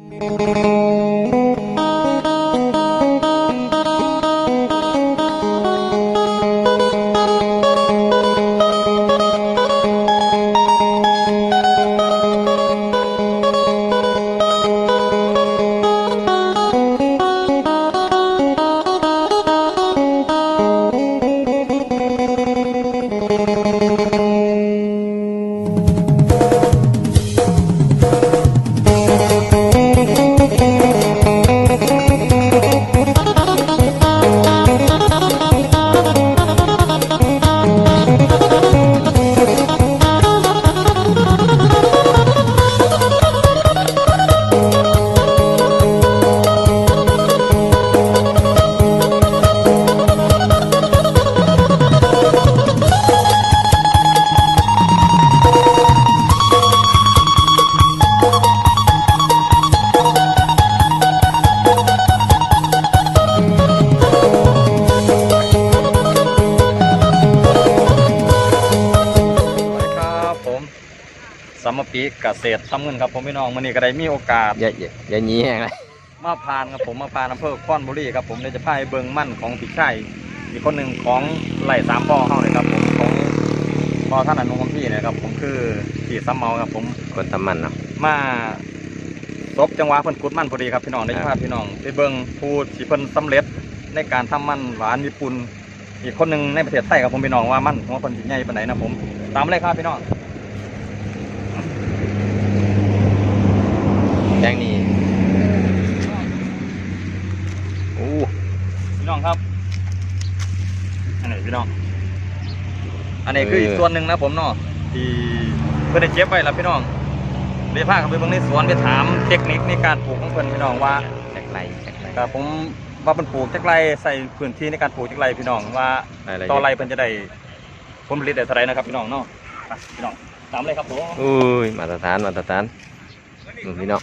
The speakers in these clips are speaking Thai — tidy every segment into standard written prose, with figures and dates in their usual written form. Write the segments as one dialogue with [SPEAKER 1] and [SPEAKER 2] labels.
[SPEAKER 1] สมปีเกษตรทำเงินครับผมพี่น้องวันนี้ก็ได้มีโอกาส
[SPEAKER 2] อย่านี้อะไร
[SPEAKER 1] มาพานครับผมมาพานอำเภอค้อนบุรีครับผมได้จะพายเบิงมั่นของพี่ชายอีกคนหนึ่งของไหล่สามพ่อเข้าเลยครับผมของพ่อท่านอนุของพี่นะครับผมคือพี่ซ้ำเมาครับผม
[SPEAKER 2] คนทำมันเนาะ
[SPEAKER 1] มาซบจังหวะเพิ่นกุดมั่นพอดีครับพี่น้องได้พาพี่น้องไปเบิงผู้ที่เพิ่นสำเร็จในการทำมั่นหวานญี่ปุ่นอีกคนหนึ่งในประเทศไทยครับผมพี่น้องว่ามั่นของเพิ่นสิใหญ่ปานไหนนะผมตามเลยครับพี่น้อง
[SPEAKER 2] แดงนี่โอ้
[SPEAKER 1] พี่น้องครับอันไหนพี่น้องอันนี้คืออีกส่วนหนึ่งนะผมเนาะที่เพื่อนได้เก็บไว้แล้วพี่น้องเดี๋ยวพาเข้าไปเบิ่งในสวนไปถามเทคนิคในการปลูกของเพื่อนพี่น้องว่า
[SPEAKER 2] จากไร
[SPEAKER 1] ครับผมว่าเป็นปลูกจากไรใส่พื้นที่ในการปลูกจากไรพี่น้องว่าต่อไรเพื่อนจะได้ผลผลิตได้เท่าไรนะครับพี่น้องเนาะพี่น้องตามเลยครับผม
[SPEAKER 2] อุ้ยมาตรฐานพี่น้อง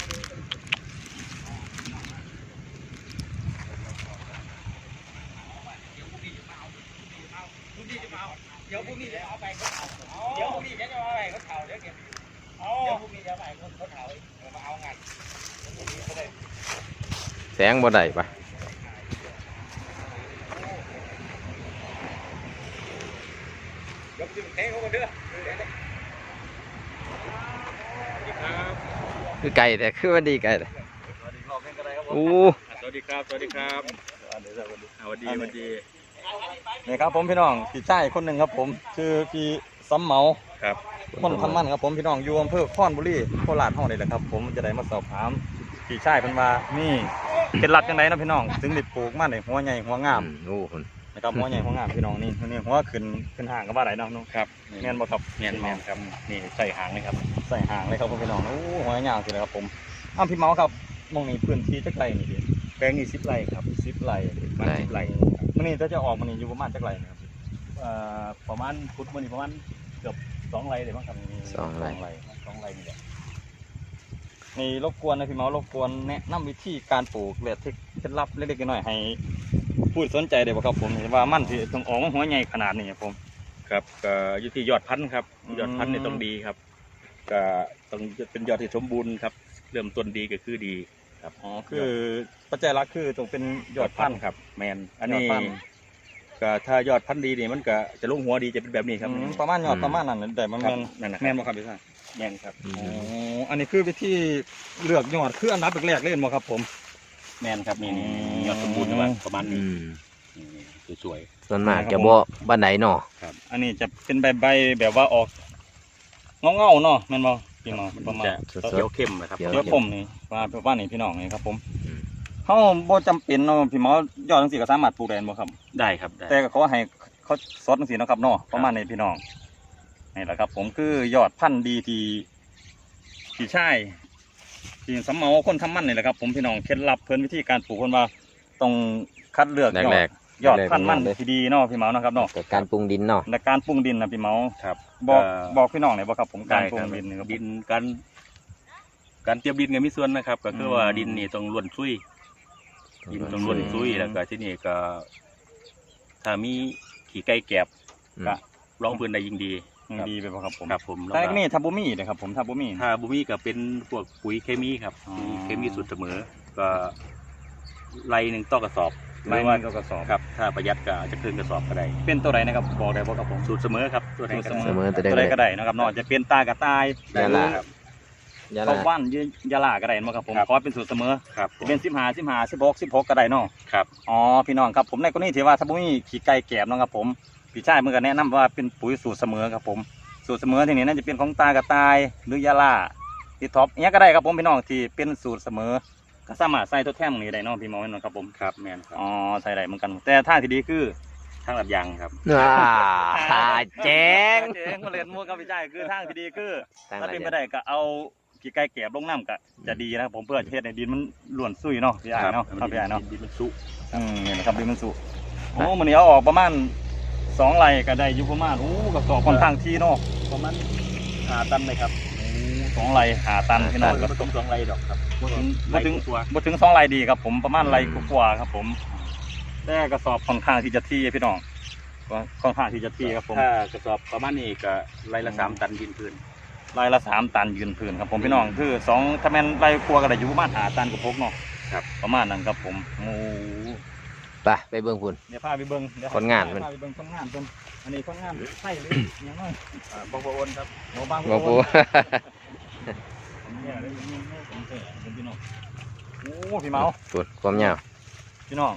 [SPEAKER 1] เดี๋ยวพรุ่งนี้จะเอาไปเขาเดี๋ยวพรุ่งนี้จะเอาไปเขาเผาเดี๋ยวเก็บเดี๋ยวพรุ่งนี้จะเอาไปเขาเผามาเอางาน
[SPEAKER 2] แสงบ่ได้ปะ
[SPEAKER 1] ยกจิ้มแข้งเขาคนเด้อ
[SPEAKER 2] คือไก่แต่คือว่าดีไก่แต่โอ้
[SPEAKER 1] สวัสดีครับสวัสดีครับสวัสดีนี่ครับผมพี่น้องพี่ชายคนหนึ่งครับผมชื่อพี่ซ้ำเมา
[SPEAKER 2] ครับ
[SPEAKER 1] คนทำมันครับผมพี่น้องอยู่อำเภอค้อนบุรีโคราชห้องนี่แหละครับผมจะได้มาสอบถามพี่ชายเพิ่นว่านี่เคล็ดลับจังไดนะพี่น้องถึงได้ปลูกมันได้หัวใหญ่หัวงาม
[SPEAKER 2] โอ้คน
[SPEAKER 1] นะครับหัวใหญ่หัวงามพี่น้องนี่หัวขึ้นห่างกับว่าไหนน้อง
[SPEAKER 2] ครับ
[SPEAKER 1] แม่นบ่ครับ
[SPEAKER 2] แม่นครับนี่ใส่หางเลยครับ
[SPEAKER 1] ใส่หางเลยครับพี่น้องโอ้หัวยาวสิเลยครับผมพี่เมาครับมองนี่พื้นที่จักไรนี่ดิ
[SPEAKER 2] แปลงนี่10 ไร่ครับ
[SPEAKER 1] 10 ไร่
[SPEAKER 2] มัน10 ไร่
[SPEAKER 1] มันนี่จะออกมันนี่อยู่ประมาณจักไรนะครับ
[SPEAKER 3] ประมาณพุทธมันนี่ประมาณเกือบ2 ไร่เลยมั้งครับ
[SPEAKER 2] 2 ไร่
[SPEAKER 3] นี่แหละ
[SPEAKER 1] นี่รบกวนนะพี่เมารบกวนแนะนำวิธีการปลูกและเคล็ดลับเล็กๆน้อยๆให้ผู้สนใจได้บ่ครับผมว่ามันที่ต้องออกหัวใหญ่ขนาดนี้ผม
[SPEAKER 3] ครับก็อยู่ที่ยอดพันธุ์ครับยอดพันธุ์นี่ต้องดีครับก็ต้องเป็นยอดที่สมบูรณ์ครับเริ่มต้นดีก็คือดีครับ
[SPEAKER 1] คือปัจจัยหลักคือต้องเป็นยอดพันธุ์
[SPEAKER 3] ครับแมนอันนี้ก็ถ้ายอดพันธุ์ดีนี่มันก็จะลงหัวดีจะเป็นแบบนี้ครับ
[SPEAKER 1] ประมาณยอดประมาณนั้นแต่มัน
[SPEAKER 3] แม่นบ่ครับพี่ชายแม่นครับ
[SPEAKER 1] อันนี้คือวิธีเลือกยอดคืออันดับแรกเลยบ่ครับผม
[SPEAKER 3] แม่นครับนี่ยอดสมบูรณ์ประมาณนี้สวย
[SPEAKER 2] ส่วนมากจะบ่บ้านไหนเนาะ
[SPEAKER 1] ครับอันนี้จะเป็นใบแบบว่าออกเงาเนาะแม่นบ่พี่น้องประมาณ
[SPEAKER 3] เขียวเข้มนะครับ
[SPEAKER 1] เขียวเข้มนี่ว่านี่พี่น้องนี่ครับผมเขาบ่จำเป็นเนาะพี่หมอยอดจังซี่ก็สามารถปลูกได้บ่ครับ
[SPEAKER 3] ได้ครับ
[SPEAKER 1] แต่ก็ขอให้เขาสดจังซี่เนาะครับเนาะประมาณนี้พี่น้องนี่แหละครับผมคือยอดพันธุ์ดีที่พี่ชายที่สำเมาคนทำมันนี่แหละครับผมพี่น้องเคล็ดลับเพิ่นวิธีการปลูกเพิ่นว่าต้องคัดเลือกยอดพันธุ์มันที่ดีเนาะพี่เมานะครับเนาะ
[SPEAKER 2] การปรุงดินเนาะ
[SPEAKER 1] และการปรุงดินนะพี่เมา
[SPEAKER 3] ครับ
[SPEAKER 1] บอกพี่น้องหน่อยบ่ครับผมการปรุงดินครับ
[SPEAKER 3] ดินการเตรียมดินก็มีส่วนนะครับก็คือว่าดินนี่ต้องล้วนซุยดินต้องล้วนซุยแล้วก็ที่นี่ก็ถ้ามีขี้ไก่แกบก็รองพื้นได้ยิ่งดี
[SPEAKER 1] ดีไปบ่ครับผม
[SPEAKER 3] ครับผม
[SPEAKER 1] แต่นี่ทับบุมี่นะครับผมทับบุมี่
[SPEAKER 3] ถ้าบุมีก็เป็นพวกปุ๋ยเคมีครับ
[SPEAKER 1] อ๋อ
[SPEAKER 3] เคมีสูตรเสมอ ก็ไรหนึ่งต่อกระสอบ
[SPEAKER 1] ไล่มันก็กระสอบ
[SPEAKER 3] ครับ ถ้าประหยัดก็อาจจะครึ่งกระสอบก็ได้
[SPEAKER 1] เป็นตัวใดนะครับบอกได้บ่ครับผม
[SPEAKER 3] สูตรเสมอครับตัวไหนก็ได้
[SPEAKER 2] เสมอตัว
[SPEAKER 1] ตัวใด
[SPEAKER 2] ใด
[SPEAKER 1] ก็ได้นะครับเนาะจะเป็นตากระต่าย
[SPEAKER 2] ยาลา
[SPEAKER 3] ครับ
[SPEAKER 2] ยา
[SPEAKER 1] ข้า
[SPEAKER 2] ลา
[SPEAKER 1] ว่านยาลาก็ได้มั้งครับผม
[SPEAKER 3] ครับ
[SPEAKER 1] ขอเป็นสูตรเสมอ
[SPEAKER 3] ครับผม
[SPEAKER 1] เป็น16ก็ได้เนาะ
[SPEAKER 3] ครับ
[SPEAKER 1] อ๋อพี่น้องครับผมในกรณีที่ว่าถ้าบ่มีขี้ไก่แกบเนาะครับผมพี่ชายมันก็แนะนำว่าเป็นปุ๋ยสูตรเสมอครับผมสูตรเสมอที่นี่น่าจะเป็นของตากระต่ายหรือยาลาที่ท็อปเนี้ยก็ได้ครับผมพี่น้องที่เป็นสูตรเสมอก็สามารถใส่ตัวแท่งนี้ได้เนาะพี่หมอเนาะครับผม
[SPEAKER 3] ครับแมนครับ
[SPEAKER 1] อ๋อใส่ได้เหมือนกัน แต่ทางที่ดีคือ
[SPEAKER 3] ทางลัดยางครับ
[SPEAKER 2] แจ้ง
[SPEAKER 1] เจ๊งก็เล่นมูกับพี่ชายคือทางที่ดีคือ
[SPEAKER 2] ทาง
[SPEAKER 1] ถ้า
[SPEAKER 2] ลัด
[SPEAKER 1] เป็น
[SPEAKER 2] ยาง
[SPEAKER 1] ไปได้ก็เอาขี้ไก่แกบลงน้ำก็จะดีนะครับผมเพื่อเฮ็ดให้ดินมันล้วนซุยเนาะพี่อ้ายเนาะครับพี่อ้ายเนาะ
[SPEAKER 3] ดินมันสุ
[SPEAKER 1] นี่นะครับดินมันสุโอ้มันนี้เอาออกประมาณ2 ไร่ก็ได้อยู่ประมาณกับสอบค่อนข้างที่เนาะ
[SPEAKER 3] ประมาณตันเลยครับ
[SPEAKER 1] 2 ไร่5 ตันพี่น้อง
[SPEAKER 3] ก็ผสม2 ไรดอกครับ
[SPEAKER 1] บ่ถึง
[SPEAKER 3] ตัว
[SPEAKER 1] บ่ถึง2 ไร่ดีครับผมประมาณไร่กว่าๆครับผมแต่กระสอบค่อนข้างที่จะที่พี่น้องก็ค่อนข้างที่จะที่ครับผม
[SPEAKER 3] ถ้ากระสอบประมาณนี้ก็ไรละ3 ตันดินพื้น
[SPEAKER 1] ไร่ละ3 ตันยืนพื้นครับผมพี่น้องคือ2ถ้าแม่นไร่กว่าก็ได้อยู่ประมาณ5 ตันกับพกเนาะ
[SPEAKER 3] ครับ
[SPEAKER 1] ประมาณนั้นครับผมโอ้
[SPEAKER 2] ไปเบิ่งพุ่น
[SPEAKER 1] เดี๋ยวพาไปเบิ่งเดี๋ยว
[SPEAKER 2] คนงานเพิ่น
[SPEAKER 1] พาไปเบิ่งคนงานเพิ่นอันนี้คนงานใช่หรือยังไง
[SPEAKER 3] บางคนครับ
[SPEAKER 1] โนบาง
[SPEAKER 2] บ่ปู
[SPEAKER 1] เนี่ยได้ยินเนี่ยผมเจอเป็นพี่น้องโอ้พี่เมา
[SPEAKER 2] พุ่นความยาว
[SPEAKER 1] พี่น้อง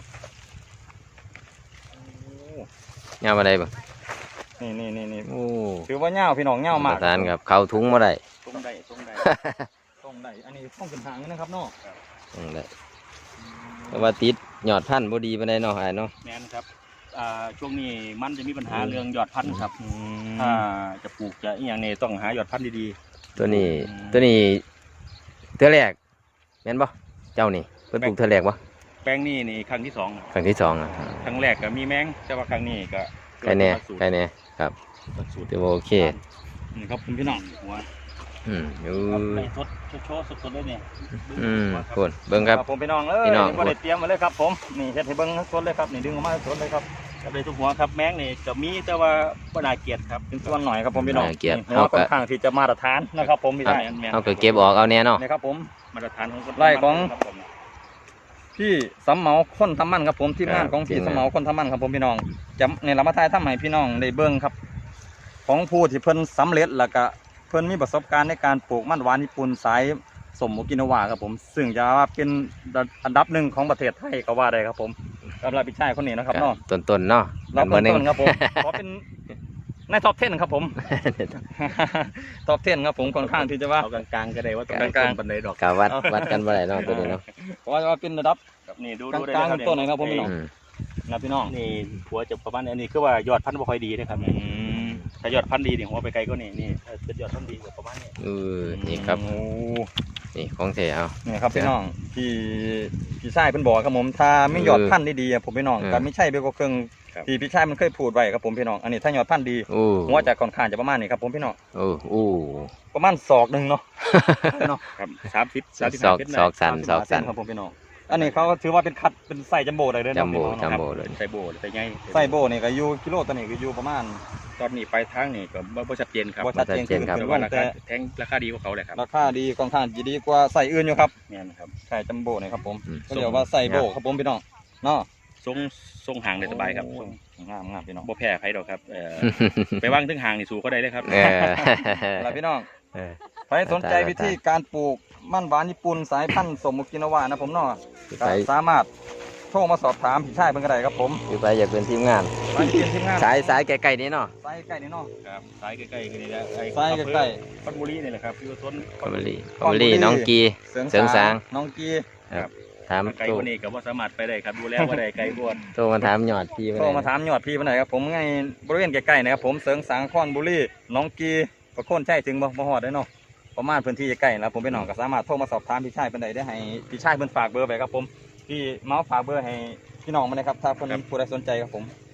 [SPEAKER 2] ยาวมาได้บ่
[SPEAKER 1] นี่
[SPEAKER 2] โอ้
[SPEAKER 1] ถือว่าเงาพี่น้องเงามาก
[SPEAKER 2] ประธานครับเข้าถุงบ่ได้
[SPEAKER 3] ตรงได้ตรงได้
[SPEAKER 1] ต้องได้อันนี้ต้องเป็นทางนะครับเนาะ
[SPEAKER 2] ต้องได้แต่ว่าติดยอดพันธุ์บ่ดีปานใดเนาะอ้ายเนาะ
[SPEAKER 3] แมนครับช่วงนี้มันจะมีปัญหาเรื่องยอดพันธุ์ครับ
[SPEAKER 1] อื
[SPEAKER 3] ถ้าม จะปลูกจะอหย่างนี้ต้องหายอดพันธุ์ดี
[SPEAKER 2] ตัวนี้
[SPEAKER 1] อืม
[SPEAKER 2] ตัวนี้เทื่อแรกแม่นบ่เจ้านี่เพิ่นปลูกเทื่อแรกบ่
[SPEAKER 3] ๆ แป้งนี่ครั้งที่2ครับ
[SPEAKER 2] ครั้งที่สองอ่ะ
[SPEAKER 3] ครั้งแรกก็มีแมงแต่ว่าครั้งนี้ก็
[SPEAKER 2] ใครแน่ใครแน่ครับ
[SPEAKER 3] สูตร
[SPEAKER 2] ถือว่าโอเค
[SPEAKER 1] นี่ครับพี่น้อง
[SPEAKER 3] หัว
[SPEAKER 2] อยู่
[SPEAKER 3] ไปทดโชว์สดๆเลยเนี่ย
[SPEAKER 2] พุ่นเบิ่งครับ
[SPEAKER 1] ผมพี่น้องเอ้ย
[SPEAKER 2] พี่น้อง
[SPEAKER 1] ก็ได้เตรียมมาเลยครับผมนี่เฮ็ดให้เบิ่งสดเลยครับนี่ดึงออกมาสดเลยครับ
[SPEAKER 3] ครับเลยทุกหัวครับแมงนี่จะมีแต่ว่าบ่น่าเกลียดครับ
[SPEAKER 1] เป็นส่วนหน่อยครับผมพี่น้อง
[SPEAKER 2] น่าเกลียด
[SPEAKER 1] นี่หัวค่อนข้างที่จะมาตรฐานนะครับผมพี่ชาย
[SPEAKER 3] แมน
[SPEAKER 2] เอาก็เก็บออกเอาแน่เนาะ
[SPEAKER 1] นี่ครับผม
[SPEAKER 3] มาตรฐานของคน
[SPEAKER 1] ไล่ของ
[SPEAKER 3] ครับผม
[SPEAKER 1] พี่สำเหมาคนทำมันครับผมทีมงานของพี่สำเหมาคนทำมันครับผมพี่น้องจะในลำมาทายทำให้พี่น้องได้เบิ่งครับ ของผู้ที่เพิ่นสำเร็จแล้วก็เพิ่นมีประสบการณ์ในการปลูกมันหวานญี่ปุ่นสายสมโอกินาวาครับผมซึ่งจะว่าเป็นอันดับหนึ่งของประเทศไทยก็ว่าได้ครับผมสำหรับพี่ชายคนนี้นะครับเนาะ
[SPEAKER 2] ต้นๆเนาะ
[SPEAKER 1] รับ
[SPEAKER 2] เบอร์หนึ่ง
[SPEAKER 1] ต้นๆครับผมขอเป็นในท็อป 10ครับผม ท็อป 10ครับผมค่อนข้างที่จะว่า
[SPEAKER 3] เอากลางๆก็ได้ว่าตรง
[SPEAKER 1] กลางๆ
[SPEAKER 3] บันไดดอก
[SPEAKER 2] กาวัดกันบ่ได้เนาะตัวนี้เนาะ
[SPEAKER 1] เพราะว่าเป็นระดับ
[SPEAKER 3] ครับนี่ดู
[SPEAKER 1] กลางๆ
[SPEAKER 3] ได้
[SPEAKER 1] ต้นไหนครับผมพี่น้อง
[SPEAKER 2] อืม
[SPEAKER 1] นะพี่น้อง
[SPEAKER 3] นี่หัวจะประมาณนี้อันนี้คือว่ายอดพันธุ์บ่ค่อยดีนะครับถ้ายอดพันธุ์ดีนี่หัวไปไกลก็นี่ถ้าเป็นยอดพันธุ์ดีก็ประมาณนี้
[SPEAKER 2] นี่ครับ
[SPEAKER 1] โอ้
[SPEAKER 2] นี่ของเสียเอา
[SPEAKER 1] นี่ครับพี่น้องพี่ชายเพิ่นบอกครับผมถ้าไม่ยอดพันธุ์ดีๆอะผมพี่น้องก็ไม่ใช่เบลก็เครื่องที่พี่ชายมันเคยพูดไว้ครับผมพี่น้องอันนี้ถ้ายอดพันธุ์ดี
[SPEAKER 2] โอ้
[SPEAKER 1] หัวจะค่อนข้างจะประมาณนี้ครับผมพี่น้อง
[SPEAKER 2] โอ้
[SPEAKER 1] ประมาณศอกหนึ่งเนาะเนาะ
[SPEAKER 3] ครับ30
[SPEAKER 2] ศอก
[SPEAKER 3] 35เมตร
[SPEAKER 2] ศอกสันศอกสัน
[SPEAKER 1] ครับผมพี่น้องอันนี้เขาก็ถือว่าเป็นคัดเป็นไส้จัมโบ้เลยเด้อ
[SPEAKER 2] จัมโบ้
[SPEAKER 1] เนาะพี่น้อง
[SPEAKER 2] จัม
[SPEAKER 1] เนาะ
[SPEAKER 2] โบ้เลย
[SPEAKER 3] ใส่โบใส่ไง
[SPEAKER 1] ไส้โบ้นี่ก็อยู่กิโลตัวนี้ก็อยู่ประมาณ
[SPEAKER 3] ตอนนี้ปลายทางนี่ก็บ่ชัดเจนครับ
[SPEAKER 1] บ่ชัดเจน
[SPEAKER 2] ชัดเจนครับ
[SPEAKER 1] คือ
[SPEAKER 3] แต่ว่ารา
[SPEAKER 1] แต่
[SPEAKER 3] คาแทงราคาดีกว่าเขาเลยครับ
[SPEAKER 1] ราคาดีค่อนข้างจะดีกว่าไส้อื่นอยู่ครับ
[SPEAKER 3] แม่นครับ
[SPEAKER 1] ไส้จัมโบ้นี่ครับผม
[SPEAKER 2] อืม
[SPEAKER 1] ก็เรียกว่าไส้โบ้ครับผมพี่น้องเนาะ
[SPEAKER 3] ทรงห่างได้สบายครับ
[SPEAKER 1] โอ้งามพี่น้อง
[SPEAKER 3] บ่แพ้ใครดอกครับไปว่างถึงห่างนี่สู้เขาได้เลยครับ
[SPEAKER 1] แล้วพี่น้อง
[SPEAKER 2] เออ
[SPEAKER 1] ใครสนใจวิธีการปลูกมันหวานญี่ปุ่นสายพันธุ์สมโอกินาวานะผมเนาะก็
[SPEAKER 2] ไป
[SPEAKER 1] สามารถโทรมาสอบถามพี่ชายเพิ่นก็ได้ครับผม
[SPEAKER 2] คือไปอยากเป็นทีมงาน
[SPEAKER 1] ไปเรียนทีมงาน
[SPEAKER 2] สายไกลๆนี้เนาะ
[SPEAKER 1] สายใกล้นี่เนาะ
[SPEAKER 3] ครับสายใกล้ๆกันนี่แหละ
[SPEAKER 1] สายใกล้
[SPEAKER 3] คอนบุรีนี่แหละครับอยู่ต้น
[SPEAKER 2] คอมเบอรี่น้องกี
[SPEAKER 1] ๆเสริง
[SPEAKER 2] เสริงสาง
[SPEAKER 1] น้องกี
[SPEAKER 2] ถาม
[SPEAKER 3] ไกล
[SPEAKER 2] โทร
[SPEAKER 3] กว่านี้ก็บ่สามารถไปได้ครับดูแลบ่ได้ไกลบวช
[SPEAKER 2] โทรมาถามยอดพี่
[SPEAKER 1] โทรมาถามยอดพี่เพิ่นหน่อยครับผมไงบริเวณใกล้ๆนะครับผมเสริงสางคอนบุรีน้องกีประโคนใช่ถึงบ่ฮอดได้เนาะประมาณพื้นที่ใกล้ๆแล้วผมพี่น้องก็สามารถโทรมาสอบถามพี่ชายเพิ่นได้ให้พี่ชายเพิ่นฝากเบอร์ไว้ครับผมพี่เมาส์ฝากเบอร์ให้พี่น้องมาเลยครับถ้าเพิ่นผู้ใดสนใจครับผม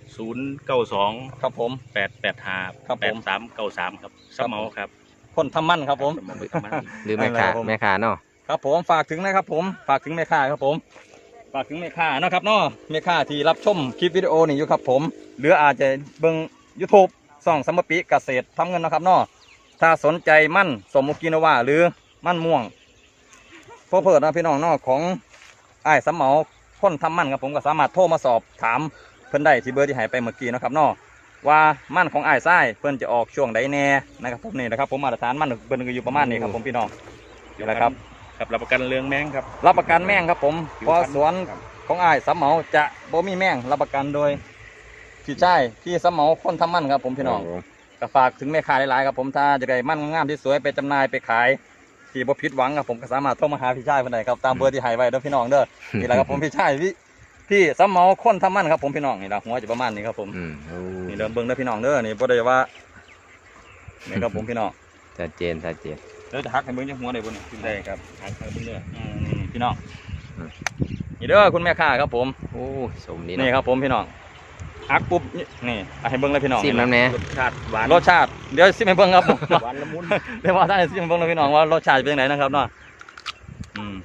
[SPEAKER 3] 092
[SPEAKER 1] ครับผม
[SPEAKER 3] 885
[SPEAKER 1] ครับผม
[SPEAKER 3] 8393ครับสมเมาครับ
[SPEAKER 1] คนทำมั่นครับผม
[SPEAKER 2] หรือแม่ค้า
[SPEAKER 1] ครับผม
[SPEAKER 2] แม่ค้าเนาะ
[SPEAKER 1] ครับผมฝากถึงนะครับผมฝากถึงแม่ค้าครับผมฝากถึงแม่ค้าเนาะครับเนาะแม่ค้าที่รับชมคลิปวิดีโอนี่อยู่ครับผมหรืออาจจะเบิ่ง YouTube ซ่องสมปิเกษตรทำเงินนะครับเนาะถ้าสนใจมั่นสมโอกินาวาหรือมั่นม่วงโฟเพิร์ดนะพี่น้องเนาะของอ้ายสำเหมาคนทำมั่นครับผมก็สามารถโทรมาสอบถามเพิ่นได้ที่เบอร์ที่ให้ไปเมื่อกี้นะครับเนาะว่ามั่นของอ้ายไส้เพิ่นจะออกช่วงใดแน่นะครับผมนี่นะครับผมมาตรฐานมั่นเพิ่นก็อยู่ประมาณนี้ครับผมพี่น้องนี่แหละครับ
[SPEAKER 3] ครับรับประกันเรื่องแมงครับ
[SPEAKER 1] รับประกันแม่งครับผมเพราะสวน
[SPEAKER 3] ครับ
[SPEAKER 1] ของอ้ายสำเหมาจะบ่มีแม่งรับประกันโดยพี่ชายพี่สำเหมาคนทำมั่นครับผมพี่น้องก็ฝากถึงแม่ค้าหลายๆครับผมถ้าจะได้มั่นงามที่สวยไปจำหน่ายไปขายที่บ่ผิดหวังครับผมก็สามารถโทรมาหาพี่ชายเพิ่นได้ครับตามเบอร์ที่ให้ไว้เด้อพี่น้องเด้อนี่แหละครับผมพี่ชายพี่สำเหมาคนทำมั่นครับผมพี่น้องนี่ละหัวจะประมาณนี้ครับผม
[SPEAKER 2] โอ้
[SPEAKER 1] นี่เริ่มเบิ่งเด้อพี่น้องเด้อนี่บ่ได้ว่านี่ครับผมพี่น้อง
[SPEAKER 2] ชัดเจนชัดเจน
[SPEAKER 1] เดี๋ยวจะหักให้เบิ่งจังหัวได้บ่นี่ขึ้นได้ครับ
[SPEAKER 3] ทางเบื้องเนื้อ
[SPEAKER 1] นี่พี่น้อง
[SPEAKER 2] อืม
[SPEAKER 1] นี่เด้อคุณแม่ค้าครับผม
[SPEAKER 2] โอ้สมดี
[SPEAKER 1] นี่
[SPEAKER 2] เนาะ
[SPEAKER 1] ครับผมพี่น้องหักปุ๊บนี่เอาให้เบิ่งเลยพี่น้อง
[SPEAKER 2] ซิมน้ำแน่
[SPEAKER 3] รสชาติหวาน
[SPEAKER 1] รสชาติเดี๋ยวซิมให้เบิ่งครับผม
[SPEAKER 3] หวานละมุน
[SPEAKER 1] เดี๋ยวว่าท่านซิมให้เบิ่งเลยพี่น้องว่ารสชาติเป็นยังไงนะครับเนาะอืม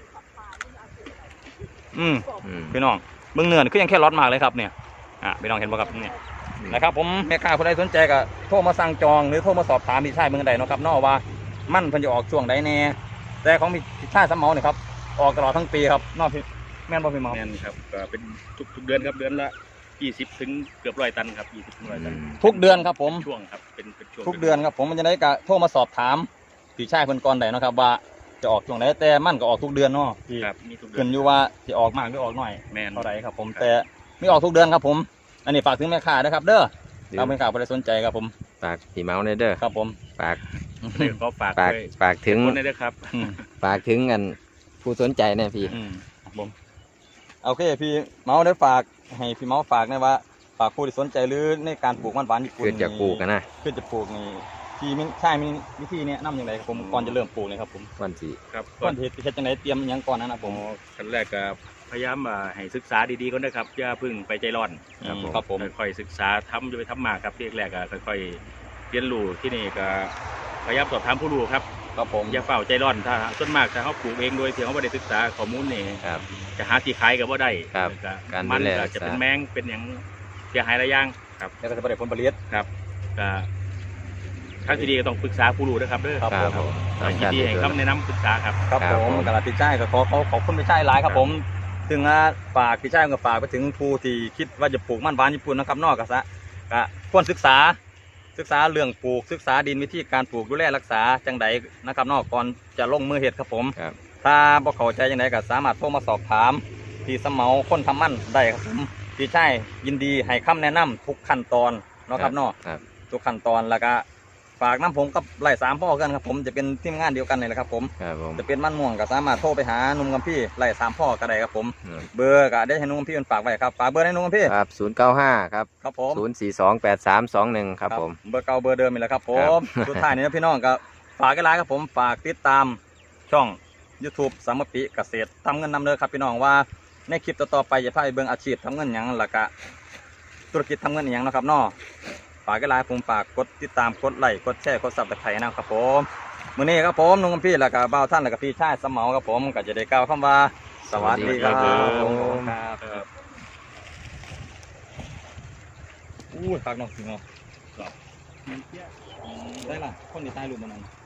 [SPEAKER 1] อืม
[SPEAKER 2] อืม
[SPEAKER 1] พี่น้องเบิ่งเนื้อนี่คือยังแค่รสมากเลยครับเนี่ยพี่น้องเห็นบ่ครับเนี่ยนะครับผมแม่ค้าคนใดสนใจก็โทรมาสั่งจองหรือโทรมาสอบถามพี่ชายเมืองใดเนาะครับเนาะว่ามันเพิ่นจะออกช่วงใดแน่แต่ของพี่ชายสำเหมาเนี่ยครับออกตลอดทั้งปีครับเนาะพี่แม่นบ่พี่หมอ
[SPEAKER 3] แมนครับก็เป็นทุกเดือนครับเดือนละ20ถึงเกือบ100 ตันครับ20ถึง100 ตัน
[SPEAKER 1] ทุกเดือนครับผม
[SPEAKER 3] ช่วงครับเป็นช่วง
[SPEAKER 1] ทุกเดือนครับผมมันจะได้ก็โทรมาสอบถามพี่ชายเพิ่นก่อนได้เนาะครับว่าจะออกช่วงไหนแต่มันก็ออกทุกเดือนเนาะที่
[SPEAKER 3] ครับมีทุกเดื
[SPEAKER 1] ขึ้
[SPEAKER 3] อน
[SPEAKER 1] นอยู่ว่าจะออกมากหรือออกน้อย
[SPEAKER 3] แมน
[SPEAKER 1] เท่าไหร่ครับผม
[SPEAKER 3] ครับ
[SPEAKER 1] แต่ไม่ออกทุกเดือนครับผมอันนี้ฝากถึงแม่ค้านะครับเด้อถ้าแม่ค้าบ่ได้สนใจครับผม
[SPEAKER 2] ฝากพี่เมาส์เด้อ
[SPEAKER 1] ครับผม
[SPEAKER 2] ฝาก
[SPEAKER 3] เดี๋ยวก็ฝาก
[SPEAKER 2] ฝาก
[SPEAKER 3] ไว้
[SPEAKER 2] ฝากถึง
[SPEAKER 3] คนนี้ด้วยครับ
[SPEAKER 1] อืม
[SPEAKER 2] ฝากถึงกันผู้สนใจเนี่ยพี่
[SPEAKER 1] ครับผมโอเคพี่เมาส์ได้ฝากให้พี่เมาส์ฝากนะว่าฝากผู้ที่สนใจหรือในการปลูกมันหวานญี่ปุ่น
[SPEAKER 2] เกิดจากปลูกกันนะ
[SPEAKER 1] เพื่อจะปลูกนี่พี่มีใช่มีวิธีแนะนำอย่างไรครับผมก่อนจะเริ่มปลูกเลยครับผม
[SPEAKER 2] วันที่
[SPEAKER 3] ครับ
[SPEAKER 1] ก่อนที่เฮ็ดจังไดเตรียมอิหยังก่อนนะผ
[SPEAKER 3] ผม มขั้นแรกก็พยายามให้ศึกษาดีๆก่อนนะครับอย่าเพึ่งไปใจร้อน
[SPEAKER 1] ครับผม
[SPEAKER 3] ค่อยๆศึกษาทำจะไปทำมากครับที่แรกก็ค่อยๆเรียนรู้ที่นี่ก็พยายามสอบถามผู้รู้ครับ
[SPEAKER 1] ครับผม
[SPEAKER 3] อย่าเฝ้าใจร้อนถ้าส่วนมากถ้าเขาปลูกเองโดยที่เขาไม่ได้ศึกษาข้อมูลนี่
[SPEAKER 2] ครับ
[SPEAKER 3] จะหาที่ขายก็บ่ได้
[SPEAKER 2] ครับ
[SPEAKER 3] ก็
[SPEAKER 2] การ
[SPEAKER 3] มัน
[SPEAKER 2] ดูแล
[SPEAKER 3] ก็
[SPEAKER 2] รักษา
[SPEAKER 3] จะเป็นแมงเป็นอย่างเสียหายหลายอย่างครับ
[SPEAKER 1] แล้วก็จะได้ผลผลิต
[SPEAKER 3] ครับก็ทางที่ดีก็ต้องปรึกษาผู้รู้นะครับเด้อ
[SPEAKER 1] ครับ
[SPEAKER 2] ครับผม
[SPEAKER 3] ทางที่ดีให้คำแนะนำปรึกษาครับ
[SPEAKER 1] ครับ
[SPEAKER 2] ครับ
[SPEAKER 1] ผม
[SPEAKER 2] ผม
[SPEAKER 1] กระดาษพี่ชายก็ขอบคุณพี่ชายหลายครับผมถึงฝากพี่ชายก็ฝากไปถึงผู้ที่คิดว่าจะปลูกมันหวานญี่ปุ่นนะครับนอกก็ควรศึกษาเรื่องปลูกศึกษาดินวิธีการปลูกดูแลรักษาจังใดนะครับนอกก่อนจะลงมือเฮ็ดครับผม
[SPEAKER 2] ครับ
[SPEAKER 1] ถ้าบ่เข้าใจจังไดก็สามารถโทรมาสอบถามที่สำเหมาคนทำมันได้ครับผมพี่ชายยินดีให้คำแนะนำทุกขั้นตอนเนาะครับเนาะ
[SPEAKER 2] ครับ
[SPEAKER 1] ทุกขั้นตอนแล้วก็ฝากน้ำผมกับไล่3พ่อกันครับผมจะเป็นทีมงานเดียวกันนี่แหละครับผม
[SPEAKER 2] ครับผม
[SPEAKER 1] จะเป็นมันม่วงก็สามารถโทรไปหาหนุ่มกับพี่ไล่3พ่อก็ได้ครับผม
[SPEAKER 2] อืม
[SPEAKER 1] เบอร์ก็ได้ให้หนุ่มกับพี่มันฝากไว้ครับฝากเบอร์ให้หนุ่มกับพี่
[SPEAKER 2] ครับ095ครับ
[SPEAKER 1] ครับผม
[SPEAKER 2] 0428321ครับผม
[SPEAKER 1] เบอร์เก่าเบอร์เดิมนี่แหละครับผ
[SPEAKER 2] ครั
[SPEAKER 1] ม
[SPEAKER 2] บ
[SPEAKER 1] สุดท้ายนี้นะพี่น้องก็ฝากกันหลายครับผมฝากติดตามช่อง YouTube สามปิเกษตรทำเงินนำเด้อครับพี่น้องว่าในคลิปต่อๆไปจะพาไปเบิ่งอาชีพทำเงินหยังแล้วก็ธุรกิจทำเงินอหยังเนาะครับเนาะฝากกันหลายผมฝากกดติดตามกดไลค์กดแชร์กดซับสไครต์นะครับผมมื้อนี้ครับผมนุ่งกับพี่แล้วก็บ่าวท่านแล้วก็พี่ชายสมเหมาครับผมก็จะได้กล่าวคำว่าสวัสดีครับ
[SPEAKER 2] สวัสดีครับ
[SPEAKER 1] ผมครับอู้ฝากน้องสิงห์ได้ล่ะคนที่ใต้รูปมันนั้น